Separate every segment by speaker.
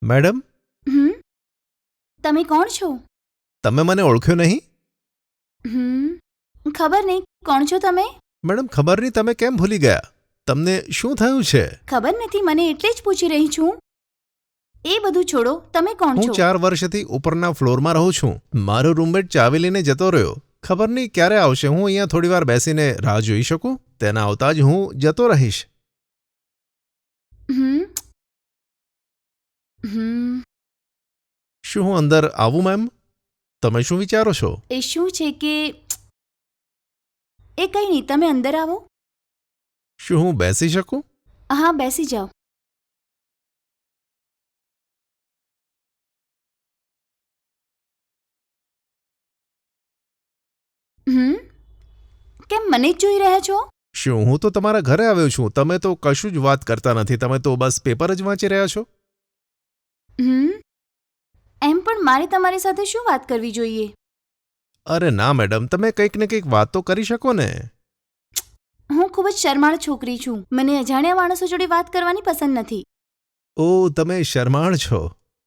Speaker 1: Madam,
Speaker 2: હમ તમે કોણ છો?
Speaker 1: તમે મને ઓળખ્યો નહીં?
Speaker 2: ખબર નહીં કોણ છો તમે?
Speaker 1: મેડમ, ખબર નહીં તમે કેમ ભૂલી ગયા? તમને શું થયું છે?
Speaker 2: ખબર નથી, મને એટલે જ પૂછી રહી છું. એ બધું છોડો, તમે કોણ
Speaker 1: હું
Speaker 2: છો?
Speaker 1: 4 વર્ષથી ઉપરના ફ્લોરમાં રહું છું. મારો રૂમમેટ ચાવી લઈને જતો રહ્યો. ખબર નહીં ક્યારે આવશે. હું અહીંયા થોડી વાર બેસીને રાહ જોઈ શકું? તેના આવતા જ હું જતો રહીશ.
Speaker 2: હમ હમ
Speaker 1: શું હું અંદર આવું મેમ? તમે શું વિચારો છો?
Speaker 2: એ શું છે કે એ કંઈ નહીં, તમે અંદર આવો.
Speaker 1: શું હું બેસી શકું?
Speaker 2: હા, બેસી જાઓ. કેમ મને જ જોઈ રહ્યા છો?
Speaker 1: શું હું તો તમારા ઘરે આવ્યો છું. તમે તો કશું જ વાત કરતા નથી. તમે તો બસ પેપર જ વાંચી રહ્યા છો.
Speaker 2: એમ પણ મારે તમારી સાથે શું વાત કરવી જોઈએ?
Speaker 1: અરે ના મેડમ, તમે કંઈક ને કંઈક વાત તો કરી શકો ને.
Speaker 2: હું ખૂબ જ શરમાળ છોકરી છું. મને અજાણ્યા માણસો જોડે વાત કરવાની પસંદ નથી.
Speaker 1: ઓ, તમે શરમાળ છો.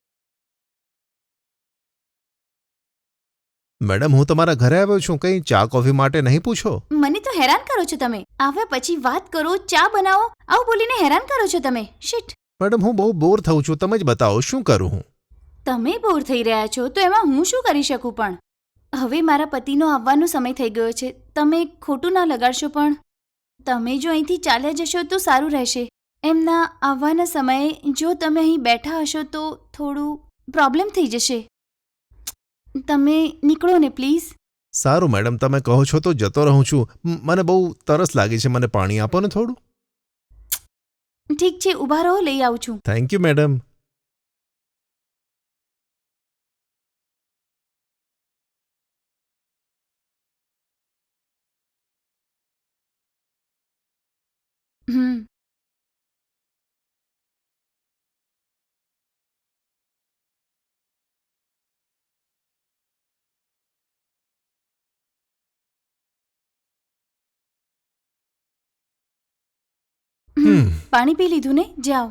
Speaker 1: મેડમ, હું તમારા ઘરે આવ્યો છું. કંઈ ચા કોફી માટે નહીં પૂછો?
Speaker 2: મને તો હેરાન કરો છો તમે. આવ્યા પછી વાત કરો, ચા બનાવો, આવું બોલીને હેરાન કરો છો તમે. શિટ.
Speaker 1: મેડમ, હું બહુ બોર થઉં છું. તમે જ બતાવો શું કરું હું?
Speaker 2: તમે બોર થઈ રહ્યા છો તો એમાં હું શું કરી શકું? પણ હવે મારા પતિનો આવવાનો સમય થઈ ગયો છે. તમે ખોટું ના લગાડશો, પણ તમે જો અહીંથી ચાલ્યા જશો તો સારું રહેશે. એમના આવવાના સમયે જો તમે અહીં બેઠા હશો તો થોડું પ્રોબ્લેમ થઈ જશે. તમે નીકળો ને પ્લીઝ.
Speaker 1: સારું મેડમ, તમે કહો છો તો જતો રહું છું. મને બહુ તરસ લાગી છે. મને પાણી આપો ને થોડું.
Speaker 2: ઠીક છે, ઊભા રહો, લઈ આવું છું.
Speaker 1: Thank you madam.
Speaker 2: હમ પાણી પી લીધું ને? જાઓ.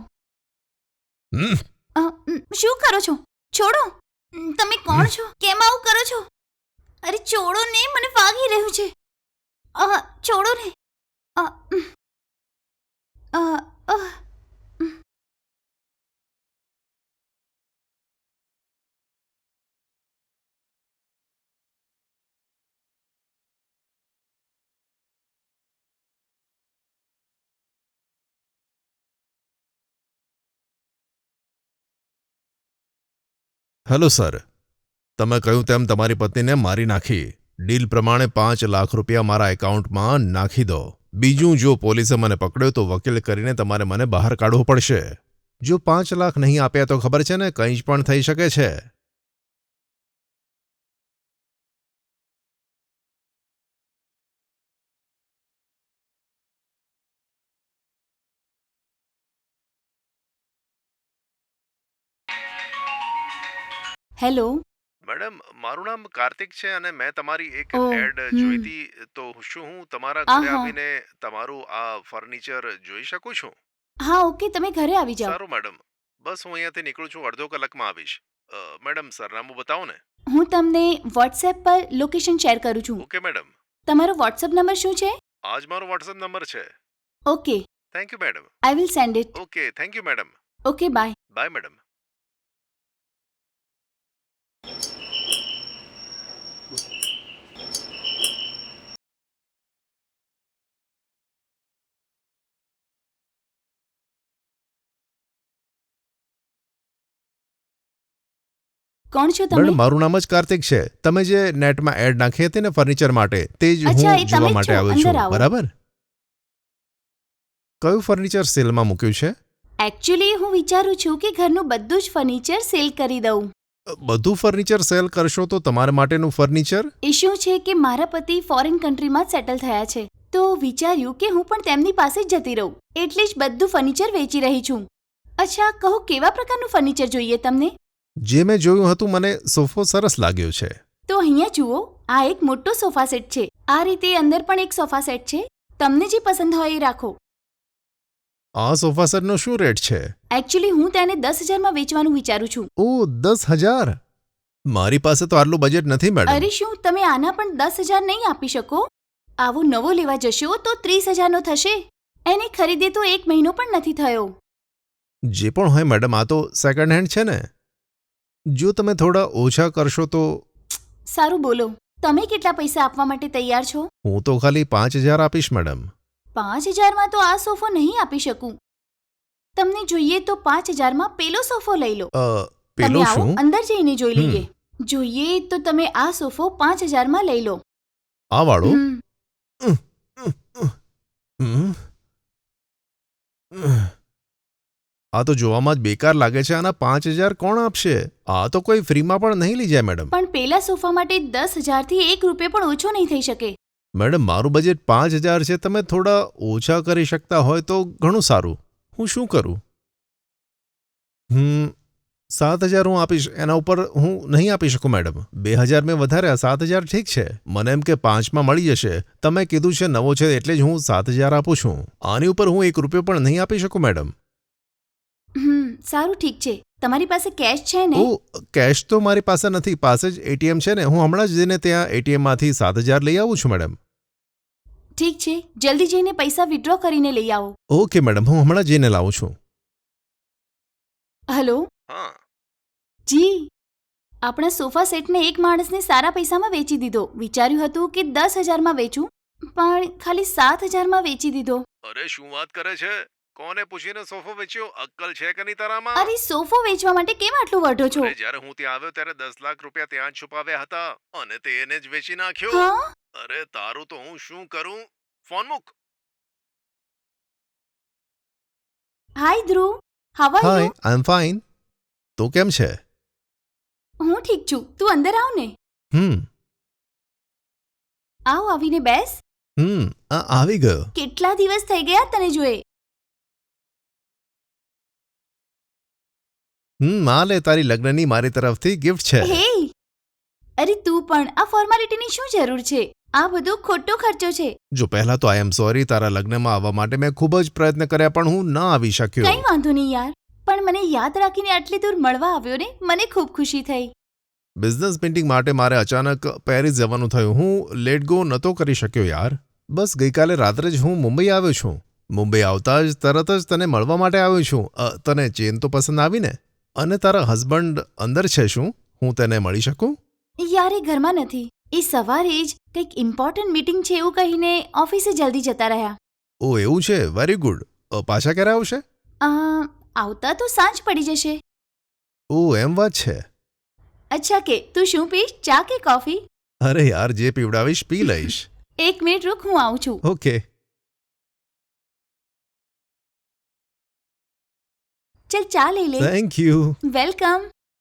Speaker 2: શું કરો છો? છોડો. તમે કોણ છો? કેમ આવું કરો છો? અરે છોડો ને, મને વાગી રહ્યું છે. છોડો ને. અ, અ, અ.
Speaker 1: હેલો સર, તમે કહ્યું તેમ તમારી પત્નીને મારી નાખી. ડીલ પ્રમાણે 5 લાખ રૂપિયા મારા એકાઉન્ટમાં નાખી દો. બીજું, જો પોલીસે મને પકડ્યો તો વકીલ કરીને તમારે મને બહાર કાઢવો પડશે. જો 5 લાખ નહીં આપ્યા તો ખબર છે ને, કંઈ જ પણ થઈ શકે છે.
Speaker 2: હેલો.
Speaker 1: મેડમ, મારું નામ કાર્તિક છે અને મેં તમારી એક
Speaker 2: ઓહ,
Speaker 1: એડ જોઈ હતી. તો શું હું તમારા ઘરે
Speaker 2: આહા.
Speaker 1: આવીને તમારું આ ફર્નિચર જોઈ શકું છું?
Speaker 2: હા, ઓકે, તમે ઘરે આવી જાઓ.
Speaker 1: સારું મેડમ, બસ હું અહીંયાથી નીકળું છું. અડધો કલાકમાં આવીશ. મેડમ, સરનામું બતાવો ને.
Speaker 2: હું તમને વોટ્સએપ પર લોકેશન શેર કરું છું.
Speaker 1: Okay madam.
Speaker 2: તમારો વોટ્સએપ નંબર શું છે?
Speaker 1: આ જ મારો વોટ્સએપ નંબર છે.
Speaker 2: Okay,
Speaker 1: thank you madam.
Speaker 2: I will send it.
Speaker 1: Okay, thank you madam.
Speaker 2: Okay, bye.
Speaker 1: Bye madam.
Speaker 2: કોણ છો તમે?
Speaker 1: મેડમ, મારું નામ જ કાર્તિક છે. તમે જે નેટમાં એડ નાખી હતી ને ફર્નિચર માટે, તે જ
Speaker 2: અચ્છા,
Speaker 1: હું
Speaker 2: એ
Speaker 1: જોવા
Speaker 2: તમે જ
Speaker 1: માટે
Speaker 2: છો.
Speaker 1: આવ્યો
Speaker 2: અંદર
Speaker 1: છું.
Speaker 2: આવો.
Speaker 1: બરાબર? કયું ફર્નિચર સેલમાં મૂક્યું છે?
Speaker 2: એકચ્યુઅલી હું વિચારું છું કે ઘરનું બધું જ ફર્નિચર સેલ કરી દઉં.
Speaker 1: બધું ફર્નિચર સેલ કરશો તો તમારા માટેનું ફર્નિચર?
Speaker 2: એ શું છે કે મારા પતિ ફોરેન કન્ટ્રીમાં જ સેટલ થયા છે, તો વિચાર્યું કે હું પણ તેમની પાસે જ જતી રહું, એટલે જ બધું ફર્નિચર વેચી રહી છું. અચ્છા, કહો કેવા પ્રકારનું ફર્નિચર જોઈએ તમને?
Speaker 1: જે મેં જોયું હતું, મને સોફો સરસ લાગ્યો છે.
Speaker 2: તો અહીંયા જુઓ, આ એક મોટો સોફા સેટ છે. આ રીતે અંદર પણ એક સોફા સેટ છે. તમને જે પસંદ હોય એ રાખો.
Speaker 1: આ સોફા સેટનો શું રેટ છે?
Speaker 2: એકચ્યુઅલી હું તેને 10,000માં વેચવાનું વિચારું છું.
Speaker 1: ઓ 10,000. મારી પાસે તો આટલું બજેટ નથી મેડમ.
Speaker 2: અરે શું તમે આના પણ 10,000 નહીં આપી શકો? આવો નવો લેવા જશો તો 30,000નો થશે. એને ખરીદે તો 1 મહિનો પણ નથી થયો.
Speaker 1: જે પણ હોય મેડમ, આ તો સેકન્ડ હેન્ડ છે ને. જો તમે થોડા ઓછા કરશો તો.
Speaker 2: સારું બોલો, તમે કેટલા પૈસા આપવા માટે તૈયાર છો?
Speaker 1: હું તો ખાલી 5,000 આપીશ મેડમ.
Speaker 2: 5,000માં તો આ સોફો નહીં આપી શકું. તમને જોઈએ તો 5,000માં પેલો સોફો લઈ લો. તમે
Speaker 1: પેલો
Speaker 2: આવો
Speaker 1: શું?
Speaker 2: અંદર જઈને જોઈ લઈએ. જોઈએ તો તમે આ સોફો 5,000માં લઈ લો.
Speaker 1: આ વાળો?
Speaker 2: હમ.
Speaker 1: આ તો જોવામાં જ બેકાર લાગે છે. આના 5,000 કોણ આપશે? આ તો કોઈ ફ્રીમાં પણ નહીં લઈ જાય મેડમ.
Speaker 2: પણ પેલા સોફા માટે 10,000થી 1 રૂપિયો પણ ઓછો નહીં થઈ શકે.
Speaker 1: મેડમ, મારું બજેટ 5,000 છે. તમે થોડા ઓછા કરી શકતા હોય તો ઘણું સારું. હું શું કરું? 7,000 હું આપીશ. એના ઉપર હું નહીં આપી શકું મેડમ. 2,000 મેં વધાર્યા, 7,000 ઠીક છે. મને એમ કે 5માં મળી જશે. તમે કીધું છે નવો છે એટલે જ હું 7,000 આપું છું. આની ઉપર હું 1 રૂપિયો પણ નહીં આપી શકું મેડમ.
Speaker 2: સારું ઠીક છે. તમારી પાસે કેશ છે ને?
Speaker 1: ઓ, કેશ તો મારી પાસે નથી. પાસે જ એટીએમ છે ને. હું હમણાં જ જઈને ત્યાં એટીએમમાંથી 7,000 લઈ આવું છું મેડમ.
Speaker 2: ઠીક છે, જલ્દી જઈને પૈસા વિથડ્રો કરીને લઈ આવો.
Speaker 1: ઓકે મેડમ, હું હમણાં જઈને લાવું છું.
Speaker 2: હલો
Speaker 1: હા.
Speaker 2: જી, આપણા સોફા સેટને એક માણસને સારા પૈસામાં વેચી દીધો. વિચાર્યું હતું કે 10,000માં વેચું, પણ ખાલી 7,000માં વેચી દીધો.
Speaker 1: અરે શું વાત કરે છે? કોને પૂછીને સોફો વેચ્યો? અક્કલ છે કે નહીં તારામાં?
Speaker 2: અરે સોફો વેચવા માટે કેમ આટલું વઢો છો?
Speaker 1: અરે જ્યારે હું ત્યાં આવ્યો ત્યારે 10 લાખ રૂપિયા ત્યાં જ છુપાવ્યા હતા અને તે એને જ વેચી નાખ્યો.
Speaker 2: હા,
Speaker 1: અરે તારું તો હું શું કરું? ફોન મૂક.
Speaker 2: Hi Dhruv, how are
Speaker 1: hi,
Speaker 2: you?
Speaker 1: I am fine. તો કેમ છે?
Speaker 2: હું ઠીક છું. તું અંદર આવ ને. આવ, આવીને બેસ.
Speaker 1: આવી ગયો.
Speaker 2: કેટલા દિવસ થઈ ગયા તને જોએ.
Speaker 1: આ લે, તારી લગ્નની મારી તરફથી ગિફ્ટ છે.
Speaker 2: હે, અરે તું પણ આ ફોર્માલિટીની શું જરૂર છે? આ બધો ખોટો ખર્ચો છે.
Speaker 1: જો પહેલા તો આઈ એમ સોરી. તારા લગ્નમાં આવવા માટે મેં ખૂબ જ પ્રયત્ન કર્યા પણ હું ના આવી શક્યો.
Speaker 2: કંઈ વાંધો નહીં યાર, પણ મને યાદ રાખીને આટલી દૂર મળવા આવ્યો ને, મને ખૂબ ખુશી થઈ.
Speaker 1: બિઝનેસ મીટિંગ માટે મારે અચાનક પેરિસ જવાનું થયું. હું લેટ ગો નહોતો કરી શક્યો યાર. બસ ગઈકાલે રાત્રે જ હું મુંબઈ આવ્યો છું. મુંબઈ આવતા જ તરત જ તને મળવા માટે આવ્યો છું. તને ચેન તો પસંદ આવી ને? અને તારા હસબન્ડ અંદર છે શું? હું તેને મળી શકું?
Speaker 2: યાર એ ઘરમાં નથી. એ સવારે જ કંઈક ઇમ્પોર્ટન્ટ મીટિંગ છે એવું કહીને ઓફિસે જલ્દી જતા રહ્યા.
Speaker 1: ઓ એવું છે, વેરી ગુડ. પાછા ક્યારે આવશે?
Speaker 2: આવતા તો સાંજ પડી જશે.
Speaker 1: ઓ એમ વાત છે.
Speaker 2: અચ્છા કે તું શું પીશ, ચા કે કોફી?
Speaker 1: અરે યાર, જે પીવડાવીશ પી લઈશ.
Speaker 2: 1 મિનિટ રૂક, હું આવું છું.
Speaker 1: ઓકે.
Speaker 2: ચલ ચા લઈ લે.
Speaker 1: Thank you.
Speaker 2: વેલકમ.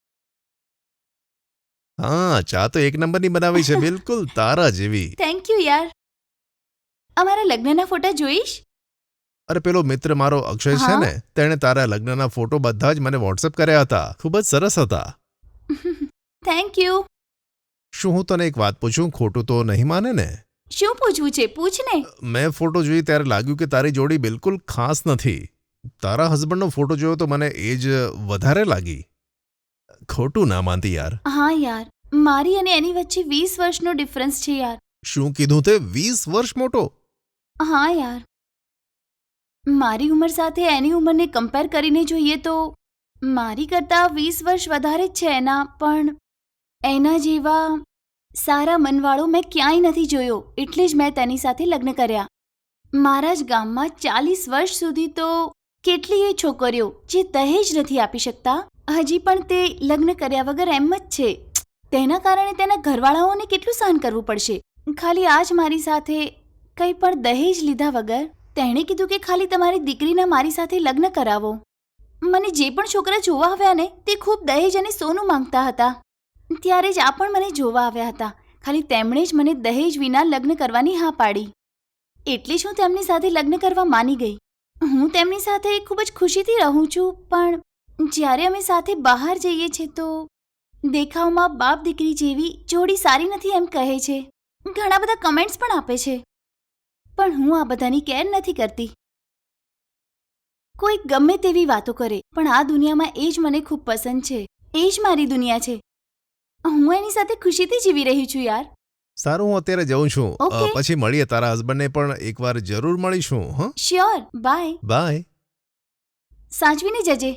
Speaker 1: હા, ચા તો એક નંબરની બનાવી છે, બિલકુલ તારા જેવી.
Speaker 2: થેન્ક યુ યાર. અમારા લગ્નના ફોટા જોઈશ?
Speaker 1: અરે પેલો મિત્ર મારો અક્ષય છે ને, તેણે તારા લગ્નના ફોટો બધા જ મને વોટ્સએપ કર્યા હતા. ખૂબ જ સરસ હતા.
Speaker 2: Thank you.
Speaker 1: શું હું તને એક વાત પૂછું? ખોટું તો નહીં માને ને?
Speaker 2: શું પૂછવું છે, પૂછ ને.
Speaker 1: મેં ફોટો જોઈ ત્યારે લાગ્યું કે તારી જોડી બિલકુલ ખાસ નથી. તારા હસબન્ડનો ફોટો જોયો તો મને એ જ વધારે લાગી. ખોટું ના માનતી યાર.
Speaker 2: હા યાર, મારી અને એની વચ્ચે 20 વર્ષનો ડિફરન્સ છે યાર.
Speaker 1: શું કીધું તે? 20 વર્ષ મોટો?
Speaker 2: હા યાર, મારી ઉંમર સાથે એની ઉંમરને કમ્પેર કરીને જોઈએ તો મારી કરતાં 20 વર્ષ વધારે જ છે એના. પણ એના જેવા સારા મનવાળો મેં ક્યાંય નથી જોયો, એટલે જ મેં તેની સાથે લગ્ન કર્યા. મારા જ ગામમાં 40 વર્ષ સુધી તો કેટલીય છોકરીઓ જે દહેજ નથી આપી શકતા, હજી પણ તે લગ્ન કર્યા વગર એમ જ છે. તેના કારણે તેના ઘરવાળાઓને કેટલું સહન કરવું પડશે. ખાલી આજ મારી સાથે કંઈ પણ દહેજ લીધા વગર તેણે કીધું કે ખાલી તમારી દીકરીના મારી સાથે લગ્ન કરાવો. મને જે પણ છોકરા જોવા આવ્યા ને, તે ખૂબ દહેજ અને સોનું માંગતા હતા. ત્યારે જ આ પણ મને જોવા આવ્યા હતા. ખાલી તેમણે જ મને દહેજ વિના લગ્ન કરવાની હા પાડી. એટલે જ હું તેમની સાથે લગ્ન કરવા માની ગઈ. હું તેમની સાથે ખૂબ જ ખુશીથી રહું છું, પણ જ્યારે અમે સાથે બહાર જઈએ છીએ તો દેખાવમાં બાપ દીકરી જેવી જોડી સારી નથી એમ કહે છે. ઘણા બધા કમેન્ટ્સ પણ આપે છે, પણ હું આ બધાની કેર નથી કરતી. કોઈ ગમે તેવી વાતો કરે પણ આ દુનિયામાં એ જ મને ખૂબ પસંદ છે. એ જ મારી દુનિયા છે. હું એની સાથે ખુશીથી જીવી રહી છું યાર.
Speaker 1: સારું, હું અત્યારે જઉં છું.
Speaker 2: Okay.
Speaker 1: પછી મળીએ. તારા હસબન્ડને પણ એકવાર જરૂર મળીશું. હા,
Speaker 2: શ્યોર. બાય.
Speaker 1: બાય.
Speaker 2: સાચવીને જજે.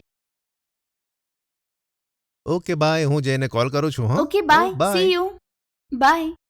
Speaker 1: Okay bye. હું જઈને કોલ કરું છું. હા,
Speaker 2: okay bye. See you. By.